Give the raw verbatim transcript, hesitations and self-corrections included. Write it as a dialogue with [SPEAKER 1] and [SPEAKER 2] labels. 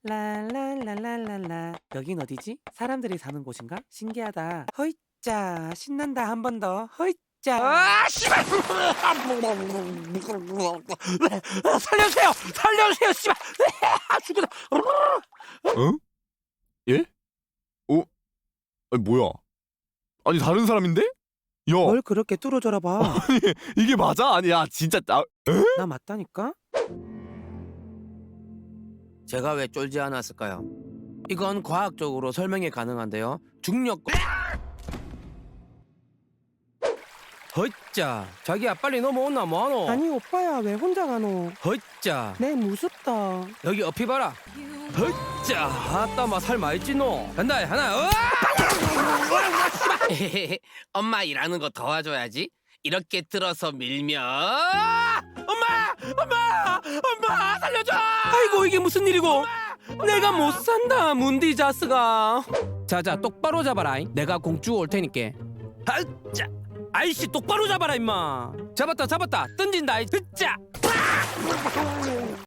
[SPEAKER 1] 랄랄랄랄랄라. 여긴 어디지? 사람들이 사는 곳인가? 신기하다. 허이짜 신난다. 한 번 더. 허이짜. 아 씨발! 살려주세요! 살려주세요! 씨발! 아 죽겠다.
[SPEAKER 2] 응? 예? 어? 아니 뭐야? 아니 다른 사람인데? 야,
[SPEAKER 1] 뭘 그렇게 뚫어져라 봐.
[SPEAKER 2] 이게 맞아? 아니야 진짜 나
[SPEAKER 1] 나 맞다니까? 제가 왜 쫄지 않았을까요? 이건 과학적으로 설명이 가능한데요. 중력. 헛자, 자기야 빨리 넘어온나 뭐하노?
[SPEAKER 3] 아니 오빠야 왜 혼자 가노?
[SPEAKER 1] 헛자,
[SPEAKER 3] 내 무섭다.
[SPEAKER 1] 여기 어피 봐라. 헛자, 아따 마살 많이 찌노. 간다 하나. 으아! 엄마 일하는 거 도와줘야지. 이렇게 들어서 밀면. 엄마, 엄마, 엄마 살려줘. 아이고 이게 무슨 일이고? 내가 못 산다 문디자스가. 자자 똑바로 잡아라. 내가 공주 올 테니까. 아자, 아이씨 똑바로 잡아라 임마. 잡았다 잡았다 던진다. 으짜.